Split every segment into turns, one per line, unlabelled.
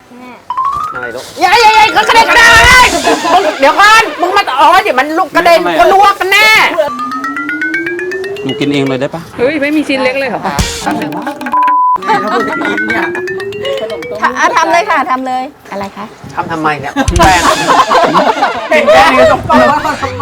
อะไรลูกยัยก็กระเด็นกระเด็นเดี๋ยวก่อนมึงมาอ๋อเดี๋ยวมันลุกกระเด็นก็ลวกกันแน่
หนูกินเองเลยได้ปะ
เฮ้ยไม่มีชิ้นเล็กเลยเหรอ
ทำเลยค่ะทำเลยอะไรคะ
ทำไมเนี่ยแป้งกินแป้งต้องไปว่าทำไม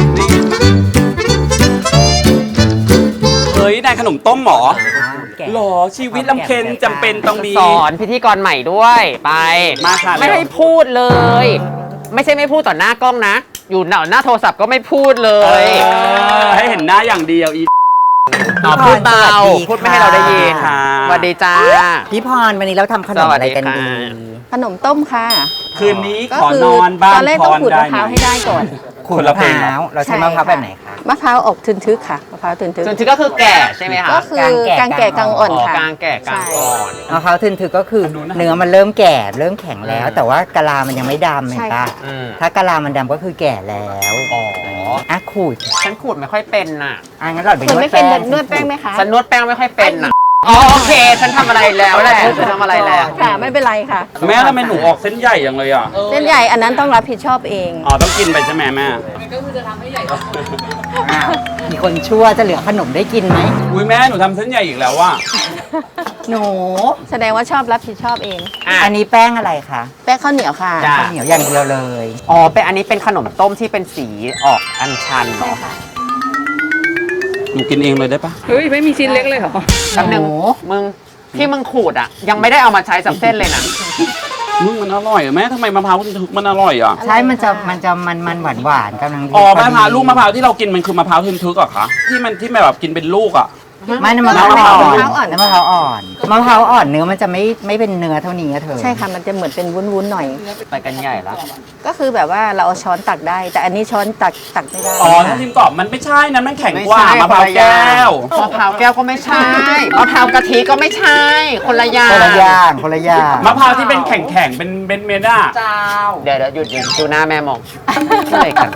เฮ้ยนายขนมต้มหรอหรอชีวิตลำเค็ญจำเป็นต้องมี
สอนพิธีกรใหม่ด้วยไป
มาค่ะ
ไม่ให้พูดเลย ไม่ใช่ไม่พูดต่อหน้ากล้องนะอยู่หน้าโทรศัพท์ก็ไม่พูดเลย
ให้เห็นหน้าอย่างเดียวอี
พูดเบาพูดไม่ให้เราได้ยินสวัสดีจ้า
พี่พรวันนี้เราทำขนมอะไรกันดีขนมต้มค่ะ
คืนนี้ขอนอนบ้าน
ตอนแรกต้องขูดมะพร้าวให้ได้ก่อน
ขูดมะพร้าว
เราใช้มะพร้าวแบบไหนคะมะพร้าวออกทึนทึกค่ะมะพร้าวทึนทึก
ก็คือแก่ใช่ไหมคะ
ก็คือกลางแก่กลางอ่อนค่ะ
กลางแก่กลางอ่อน
มะพร้าวทึนทึกก็คือเนื้อมันเริ่มแก่เริ่มแข็งแล้วแต่ว่ากะลามันยังไม่ดำเห็นปะถ้ากะลามันดำก็คือแก่แล้วอ่ะขูด
ฉันขูดไม่ค่อยเป็นน่ะ
งั้นเราไปนวดแป้งนวดแป้งไหมคะ
ฉันนวดแป้งไม่ค่อยเป็นน่ะโอเคฉันทำอะไรแล้วแหละฉันทำอะไรแล้ว
ค่ะไม่เป็นไรค่ะ
แม่ทำไมหนูออกเส้นใหญ่อย่างเลยอ่ะ
เส้นใหญ่อันนั้นต้องรับผิดชอบเอง
ต้องกินไปใช่ไหมแม่
ก็คือจะทำให้ใหญ่
มีคนชั่วจะเหลือขนมได้กินไหม
อุ้ยแม่หนูทำเส้นใหญ่อีกแล้วว่ะ
หนูแสดงว่าชอบรับผิดชอบเอง
อั
นนี้แป้งอะไรคะแป้งข้าวเหนียวค่ะข้าวเหนียวอย่างเดียวเลย
เป็นอันนี้เป็นขนมต้มที่เป็นสีออกอัญชัน
ใช่ค่ะ
หนูกินเองเลยได้ปะ
เฮ้ยไม่มีชิ้นเล็กเลยเหรอ
กับหนึ่งมึงที่มึงขูดอ่ะยังไม่ได้เอามาใช้สับเส้นเลยนะ
มึงมันอร่อยแม่ทำไมมะพร้าวถึกมันอร่อยอ่ะ
ใช่มันจะมันหวานกำลังดี
มะพร้าวลูกมะพร้าวที่เรากินมันคือมะพร้าวทึกๆอ่ะคะที่แบบกินเป็นลูกอ่ะ
ไม่มะพร้าวอ่อนมะพร้าวอ่อนมะพร้าวอ่อนเนื้อมันจะไม่เป็นเนื้อเท่านี้เธอใช่ค่ะมันจะเหมือนเป็นวุ้นๆหน่อย
ไปกันใหญ่แล้ว
ก็คือแบบว่าเราเอาช้อนตักได้แต่อันนี้ช้อนตักไม่ได้
ถ้าทิมกรอบมันไม่ใช่นะมันแข็งกว่ามะพร้าวแก้ว
มะพร้าวแก้วก็ไม่ใช่มะพร้าวกะทิก็ไม่ใช่คนละอย่าง
คนละอย่าง
มะพร้าวที่เป็นแข็งเป็นเม็ดอ่ะ
เดี๋ยวหยุดดูหน้าแม่มองอะไรกัน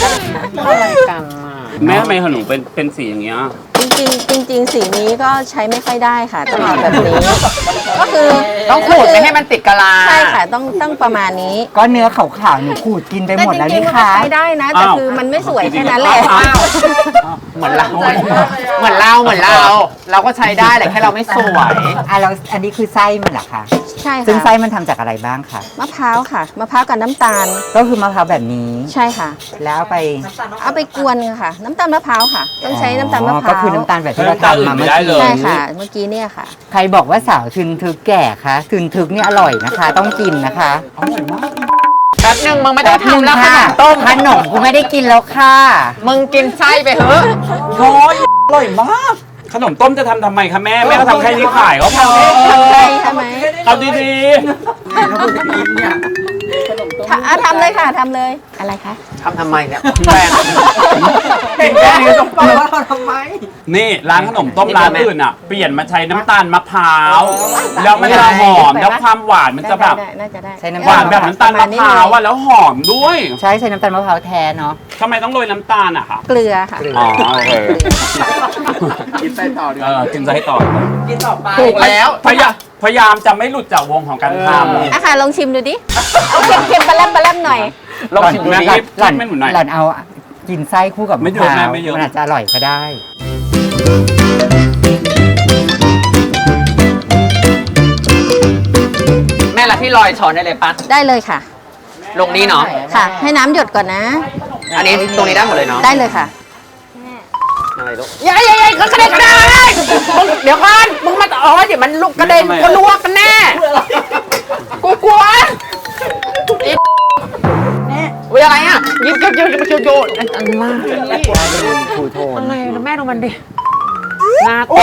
แม่ทำไมขนมเป็นสีอย่างเงี้ย
จริงสีนี้ก็ใช้ไม่ค่อยได้ค่ะต้องเอาแบบนี้ก็คือ
ต้องขูดไม่ให้มันติดกะลา
ใช่ค่ะต้องประมาณนี้ก็เนื้อขาวๆหนูขูดกินไปหมดแล้วนี่ค่ะใช้ได้นะแต่คือมันไม่สวยแค่นั้นแหละ
เหมือนเราเราก็ใช้ได้แหละแค่เราไม่สวย
เราอันนี้คือไส้มันเหรอคะใช่ค่ะซึ่งไส้มันทำจากอะไรบ้างคะมะพร้าวค่ะมะพร้าวกับน้ำตาลก็คือมะพร้าวแบบนี้ใช่ค่ะแล้วเอาไปกวนค่ะน้ำตาลมะพร้าวค่ะต้องใช้น้ำตาลมะพร้าวก็คือน้ำตาลแบบที่เราทำมาเมื่อกี้ใช่ค่ะเมื่อกี้เนี่ยค่ะใครบอกว่าสาวทึนทึกแก่คะทึนทึกนี่อร่อยนะคะต้องกินนะคะ
อร่อยมาก
แป๊บนึงมึงไม่ต้องทำแล้วค่ะ
ต้มขนมกูไม่ได้กินแล้วค่ะ
มึงกินไส้ไปเถอะ
โอ้ยอร่อยมากขนมต้มจะทำไมคะแม่ก็ทำแค่นี้ขายก็พอ
ใช่ไหม
เอาดี
ทำเลยค่ะทำเลยอะไรคะ
ทำไมเนี่ยแป้ง
กินแป้งต้องไปว่าทำไมนี่ร้านขนมต้มร้านอื่นอ่ะเปลี่ยนมาใช้น้ำตาลมะพร้าวแล้วมันจะหอมแล้วความหวานมันจะแบบหวานแบบน้ำตาลมะพร้าวอ่ะแล้วหอมด้วย
ใช่น้ำตาลมะพร้าวแท้เนาะ
ทำไมต้องโรยน้ำตาลอ่ะคะ
เกลือค่ะ
อ๋อโอเคกินไส้ต่อดีกินไส้ต่อ
กินต่อไปถูกแล้ว
พยายามจะไม่หลุดจากวงของการทำ
ค่ะลองชิมดูดิเอาเค็มๆปลาแรมหน่อย
ลองชิมดูดิห
ล่อนเอากินไส้คู่กับมะพร้าวมันอาจจะอร่อยก็ได้
แม่ละพี่ลอยช้อนได้เลยปะ
ได้เลยค่ะ
ลงนี้เนาะ
ค่ะให้น้ำหยดก่อนนะ
อันนี้ตรงนี้ได้หมดเลยเนาะ
ได้เลยค่ะ
อะไรลูก
ยัยก็กระเด็นกระเด็นเดี๋ยวก่อนมึงมาอ๋อเดี๋ยวมันลุกกระเด็นก็ลวกกันแน่กูกลัว
วิอะไรอ่ะยิบโยนอันล่าอะไรแล้วแม่ดูมันดิน่ากลัว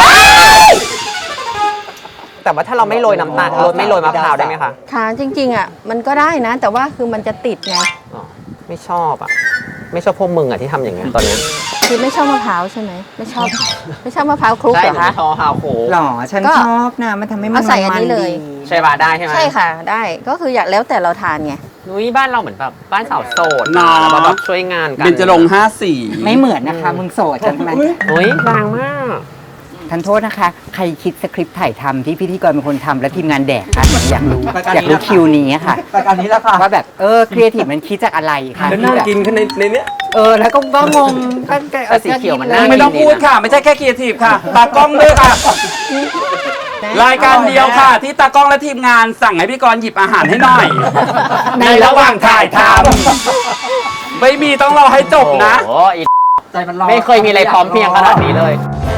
แต่ว่าถ้าเราไม่โรยน้ำตาลไม่โรยมะพร้าวได้ไหมคะ
ค่ะจริงๆอ่ะมันก็ได้นะแต่ว่าคือมันจะติดไง
ไม่ชอบอ่ะไม่ชอบพวกมึงอ่ะที่ทำอย่างเงี้ยตอนนี้
คือไม่ชอบมะพร้าวใช่ไหมไม่ชอบมะพร้าวคลุกเหรอคะ
ไม่ชอบมะพร้าวคลุก
หรอฉันชอบนะมันทำให้มัน
ใส่อันนี้เลยใช่ป่ะได้ใช่ไหม
ใช่ค่ะได้ก็คืออยากแล้วแต่เราทานไง
นุ้ยบ้านเราเหมือนแบบบ้านสาวโสดนะเราแบบช่วยงานกัน
เบญจรงค์54
ไม่เหมือนนะคะมึงโสดใช่ไหม
นุ้ยบางมาก
ทันโทษนะคะ ใครคิดสคริปต์ถ่ายทำที่พิธีกรเป็นคนทำและทีมงานแดกคะอยากรู้คิวนี้ค่ะ
รายการนี้แล้วค่ะ
ว่าแบบครีเอทีฟมันคิดจากอะไรคะ
แล้วน่ากินขึ้นในเนี้ย
แล้วก็งงก็
สีเขียวมันน่า
ไม่ต้องพูดค่ะ ไม่ใช่แค่ครีเอทีฟค่ะ ตากล้องด้วยค่ะ รายการเดียวค่ะ ที่ตากล้องและทีมงานสั่งให้พี่กรณ์หยิบอาหารให้หน่อย ในระหว่างถ่ายทำไม่มีต้องรอให้จบนะ
โอ้ย
ใจมันรอ
ไม่เคยมีอะไรพร้อมเพรียงขนาดนี้เลย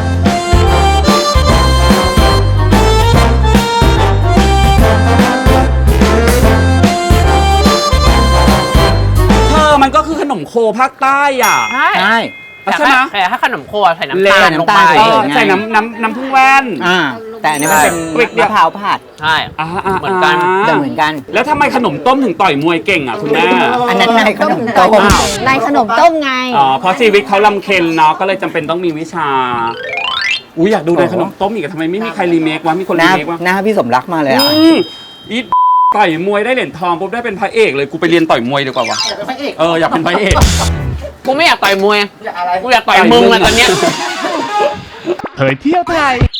เธอมันก็คือขนมโคภาคใต้อ่ะ
ใช่
ใช่
ใช่ไหม
แต่ถ้าขนมโคใส่น้ำตาลลงไป
ใส่
เอ
น้ำตาล
อใส่น้ำผึ้งแว่น
แต่อันนี้มันเป็น
ใช่
มะพร้าวผัด
ใช่ เหมือนกัน
แต่เหมือนกัน
แล้วทำไมขนมต้มถึงต่อยมวยเก่งอ่ะคุณแม่
อันนั้นในขนมต้ม
ในขนมต้มไง
อ๋อเพราะชีวิตเขาลำเค็ญเนาะก็เลยจำเป็นต้องมีวิชาอุ้ยอยากดูในขนมต้มอีกอะทำไมไม่มีใครรีเมควะมีคน
ห
รี
น้า
เมควะ
หน้าพี่สมรักมาเลยอ่ะ
อีต่อยมวยได้เหรียญทองปุ๊บได้เป็นพระเอกเลยกูไปเรียนต่อยมวยดีกว่าวะอยากเป็นพระเอก
กูไม่อยากต่อยมวย กูอยากต่อยมึงอะตอนเนี้ย
เผยเที่ยวไทย